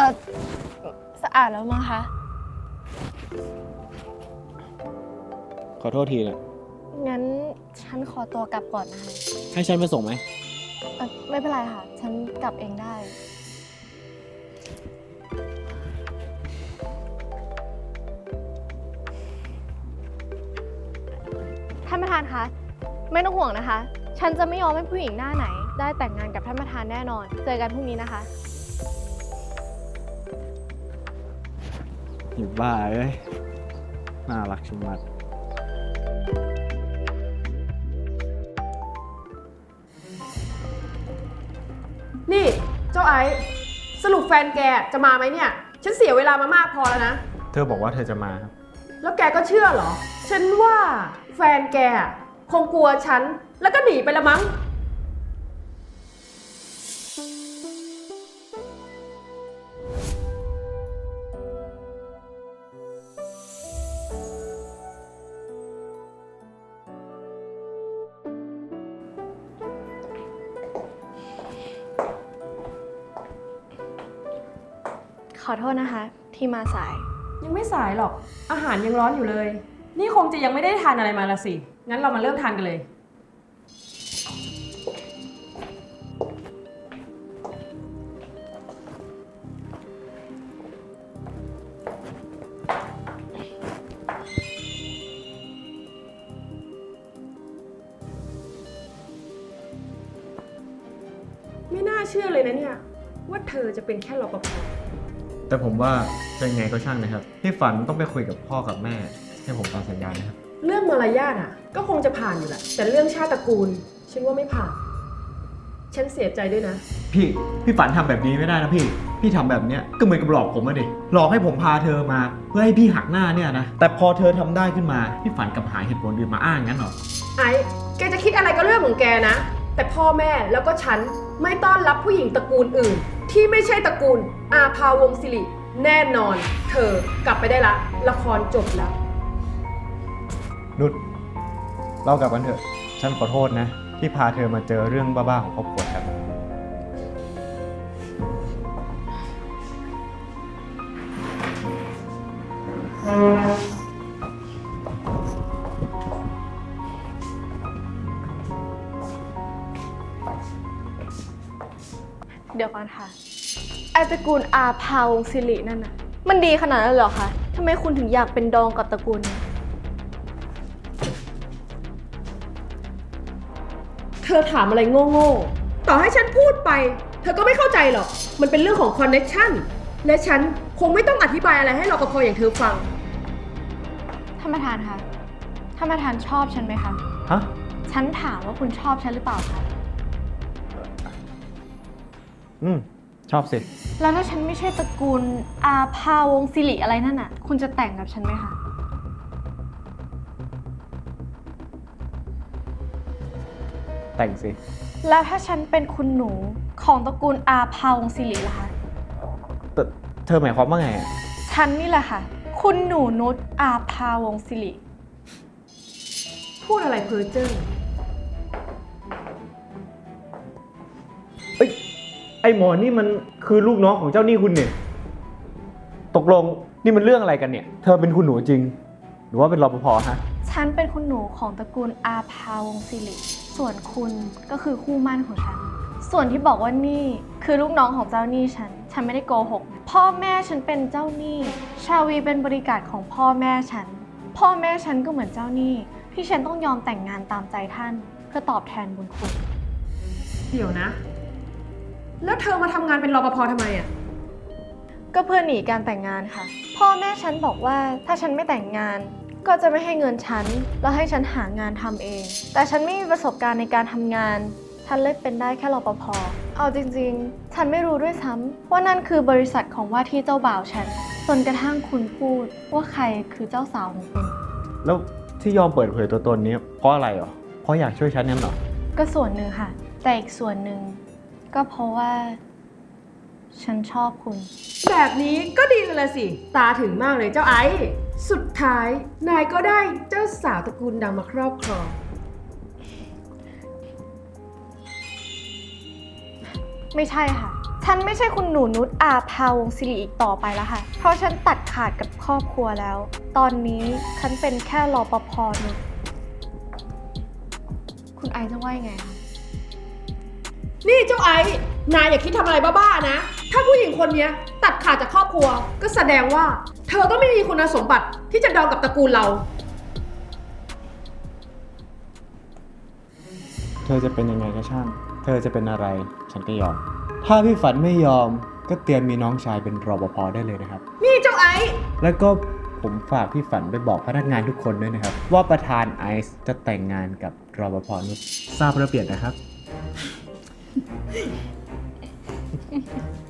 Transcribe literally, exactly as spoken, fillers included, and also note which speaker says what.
Speaker 1: อสะอาดแล้วมั้งคะ
Speaker 2: ขอโทษทีนะ
Speaker 1: งั้นฉันขอตัวกลับก่อนนะคะ
Speaker 2: ให้ฉันมาส่งไหม
Speaker 1: เอ่อไม่เป็นไรค่ะ ฉันกลับเองได้ ท่านประธานคะ ไม่ต้องห่วงนะคะ ฉันจะไม่ยอมให้ผู้หญิงหน้าไหน ได้แต่งงานกับท่านประธานแน่นอน เจอกันพรุ่งนี้นะคะ
Speaker 2: อยู่บ้าเอ้ย น่ารักชะมัด
Speaker 3: นี่เจ้าไอซ์สรุปแฟนแกจะมาไหมเนี่ย ฉันเสียเวลามามากพอแล้วนะ
Speaker 2: เธอบอกว่าเธอจะมาครับ
Speaker 3: แล้วแกก็เชื่อเหรอ ฉันว่าแฟนแกคงกลัวฉัน แล้วก็หนีไปละมั้ง
Speaker 1: ขอโทษนะคะ ที่มาสาย
Speaker 3: ยังไม่สายหรอก อาหารยังร้อนอยู่เลย นี่คงจะยังไม่ได้ทานอะไรมาละสิ งั้นเรามาเริ่มทานกันเลย ไม่น่าเชื่อเลยนะเนี่ย ว่าเธอจะเป็นแค่รปภ
Speaker 2: แต่ผมว่าจะยังไงก็ช่างนะครับ พี่ฝันต้องไปคุยกับพ่อกับแม่ ให้ผมตามสัญญานะครับ
Speaker 3: เรื่องมารยาทอ่ะ ก็คงจะผ่านอยู่แหละ แต่เรื่องชาติตระกูล ฉันว่าไม่ผ่าน ฉันเสียใจด้วยนะ
Speaker 2: พี่ พี่ฝันทำแบบนี้ไม่ได้นะพี่ พี่ทำแบบเนี้ยก็เหมือนกับหลอกผมอะดิ หลอกให้ผมพาเธอมา เพื่อให้พี่หักหน้าเนี่ยนะ แต่พอเธอทำได้ขึ้นมา พี่ฝันกลับหาเหตุผลอื่นมาอ้างงั้นเหรอ
Speaker 3: ไอ้แกจะคิดอะไรก็เรื่องของแกนะ แต่พ่อแม่แล้วก็ฉันไม่ต้อนรับผู้หญิงตระกูลอื่น ที่ไม่ใช่ตระกูลอาภาวงศ์สิริแน่นอน เธอกลับไปได้ละ ละครจบแล้ว
Speaker 2: นุชเรากลับกันเถอะ ฉันขอโทษนะ ที่พาเธอมาเจอเรื่องบ้าๆของครอบครัวฉัน
Speaker 1: เดี๋ยวก่อนค่ะไอตระกูลอาภาวงศ์สิรินั่นน่ะ มันดีขนาดนั้นเลยเหรอคะทำไมคุณถึงอยากเป็นดองกับตระกูลนี้
Speaker 3: เธอถามอะไรโง่ๆ ต่อให้ฉันพูดไป เธอก็ไม่เข้าใจหรอก มันเป็นเรื่องของคอนเนคชั่น และฉันคงไม่ต้องอธิบายอะไรให้รปภอย่างเธอฟัง
Speaker 1: ท่านประธานคะ ท่านประธานชอบฉันไหมคะ
Speaker 2: ฮะ
Speaker 1: ฉันถามว่าคุณชอบฉันหรือเปล่าคะ
Speaker 2: อืม ชอบสิ
Speaker 1: แล้วถ้าฉันไม่ใช่ตระกูลอาภาวงศ์สิริอะไรนั่นน่ะ คุณจะแต่งกับฉันไหมคะ
Speaker 2: แต่งสิ
Speaker 1: แล้วถ้าฉันเป็นคุณหนูของตระกูลอาภาวงศ์สิริล่ะคะ
Speaker 2: แต่เธอหมายความว่าไงอะ
Speaker 1: ฉันนี่แหละค่ะ คุณหนูนุชอาภาวงศ์สิริ
Speaker 3: พูดอะไรเพ้อเจ้อ
Speaker 2: เอ้ย ไอหมอนี่มันคือลูกน้องของเจ้าหนี้คุณเนี่ย ตกลงนี่มันเรื่องอะไรกันเนี่ย เธอเป็นคุณหนูจริง หรือว่าเป็นรปภฮะ
Speaker 1: ฉันเป็นคุณหนูของตระกูลอาภาวงศ์สิริ ส่วนคุณก็คือคู่หมั่นของฉัน ส่วนที่บอกว่านี่คือลูกน้องของเจ้าหนี้ฉัน ฉันไม่ได้โกหกนะพ่อแม่ฉันเป็นเจ้าหนี้ ชาวีเป็นบริการของพ่อแม่ฉัน พ่อแม่ฉันก็เหมือนเจ้าหนี้ที่ฉันต้องยอมแต่งงานตามใจท่าน เพื่อตอบแทนบุญคุณ
Speaker 3: เดี๋ยวนะ แล้วเธอมาทำงานเป็นรปภทำไมอ่ะ
Speaker 1: ก็เพื่อหนีการแต่งงานค่ะ พ่อแม่ฉันบอกว่าถ้าฉันไม่แต่งงาน ก็จะไม่ให้เงินฉันแล้วให้ฉันหางานทำเอง แต่ฉันไม่มีประสบการณ์ในการทำงาน ฉันเลยเป็นได้แค่รปภเอาจริงๆ ฉันไม่รู้ด้วยซ้ำว่านั่นคือบริษัทของว่าที่เจ้าบ่าวฉันจนกระทั่งคุณพูดว่าใครคือเจ้าสาวของคุณ
Speaker 2: แล้วที่ยอมเปิดเผยตัวตนนี้เพราะอะไรเหรอ เพราะอยากช่วยฉันนั่นเหรอ
Speaker 1: ก็ส่วนหนึ่งค่ะ แต่อีกส่วนหนึ่งก็เพราะว่า ฉันชอบคุณ
Speaker 3: แบบนี้ก็ดีเลยละสิ ตาถึงมากเลยเจ้าไอซ์สุดท้าย นายก็ได้เจ้าสาวตระกูลดังมาครอบครอง
Speaker 1: ไม่ใช่ค่ะ ฉฉันไม่ใช่คุณหนูนุชอาภาวงศ์ศิริอีกต่อไปแล้วค่ะ เพราะฉันตัดขาดกับครอบครัวแล้ว ตอนนี้ฉันเป็นแค่รปภนุชคุณไอซ์จะว่ายังไงคะ
Speaker 3: นี่เจ้าไอ้นายอย่าคิดทำอะไรบ้าๆนะ ถ้าผู้หญิงคนเนี้ยตัดขาดจากครอบครัว ก็แสดงว่า เธอก็ไม่มีคุณสมบัติที่จะดองกับตระกูลเรา
Speaker 2: เธอจะเป็นยังไงก็ช่าง เธอจะเป็นอะไร ฉันก็ยอม ถ้าพี่ฝันไม่ยอม ก็เตรียมมีน้องชายเป็นรปภได้เลยนะครับ
Speaker 3: นี่เจ้าไอ้
Speaker 2: แล้วก็ผมฝากพี่ฝันไปบอกพนักงานทุกคนด้วยนะครับ ว่าประธานไอซ์จะแต่งงานกับรปภนุชทราบระเบียบนะครับ